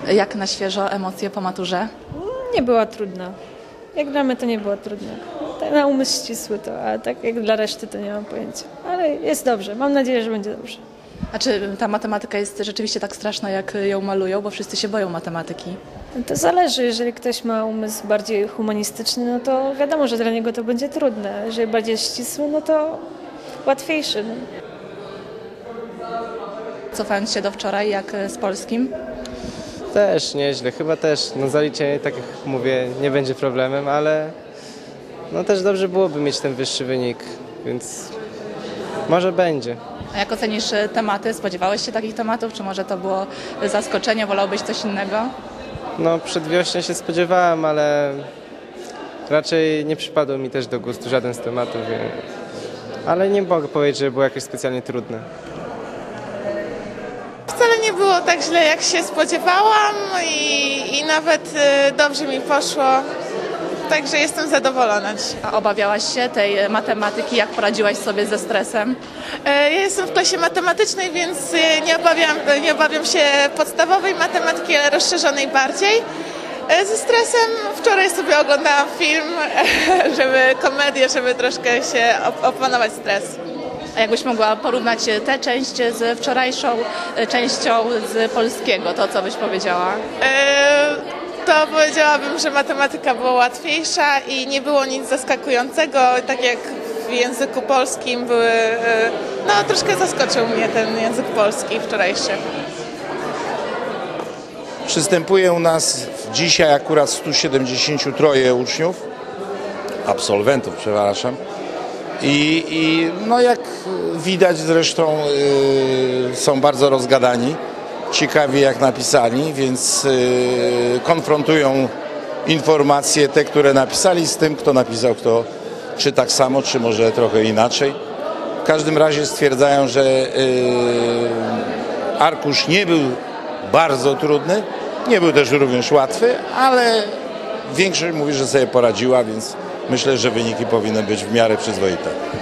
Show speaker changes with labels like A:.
A: Jak na świeżo emocje po maturze?
B: Nie była trudna. Jak dla mnie to nie było trudne. Tak na umysł ścisły to, a tak jak dla reszty to nie mam pojęcia. Ale jest dobrze. Mam nadzieję, że będzie dobrze.
A: A czy ta matematyka jest rzeczywiście tak straszna, jak ją malują? Bo wszyscy się boją matematyki.
B: To zależy. Jeżeli ktoś ma umysł bardziej humanistyczny, no to wiadomo, że dla niego to będzie trudne. Jeżeli bardziej ścisły, no to łatwiejszy. No.
A: Cofając się do wczoraj, jak z polskim?
C: Też nieźle, chyba też. No zaliczenie, tak jak mówię, nie będzie problemem, ale no też dobrze byłoby mieć ten wyższy wynik, więc może będzie.
A: A jak ocenisz tematy? Spodziewałeś się takich tematów? Czy może to było zaskoczenie? Wolałbyś coś innego?
C: No przedwiośnie się spodziewałem, ale raczej nie przypadł mi też do gustu żaden z tematów, ale nie mogę powiedzieć, że było jakieś specjalnie trudne.
D: Wcale nie było tak źle, jak się spodziewałam i nawet dobrze mi poszło, także jestem zadowolona.
A: A obawiałaś się tej matematyki? Jak poradziłaś sobie ze stresem?
D: Ja jestem w klasie matematycznej, więc nie obawiam się podstawowej matematyki, ale rozszerzonej bardziej. Ze stresem wczoraj sobie oglądałam film, komedię, żeby troszkę się opanować stres.
A: A jakbyś mogła porównać tę część z wczorajszą częścią z polskiego, to co byś powiedziała?
D: To powiedziałabym, że matematyka była łatwiejsza i nie było nic zaskakującego, tak jak w języku polskim były, no troszkę zaskoczył mnie ten język polski wczorajszy.
E: Przystępuje u nas dzisiaj akurat 173 uczniów, absolwentów, przepraszam. I no jak widać zresztą są bardzo rozgadani, ciekawi jak napisali, więc konfrontują informacje te, które napisali z tym, kto napisał, kto czy tak samo, czy może trochę inaczej. W każdym razie stwierdzają, że arkusz nie był bardzo trudny, nie był też również łatwy, ale większość mówi, że sobie poradziła, więc myślę, że wyniki powinny być w miarę przyzwoite.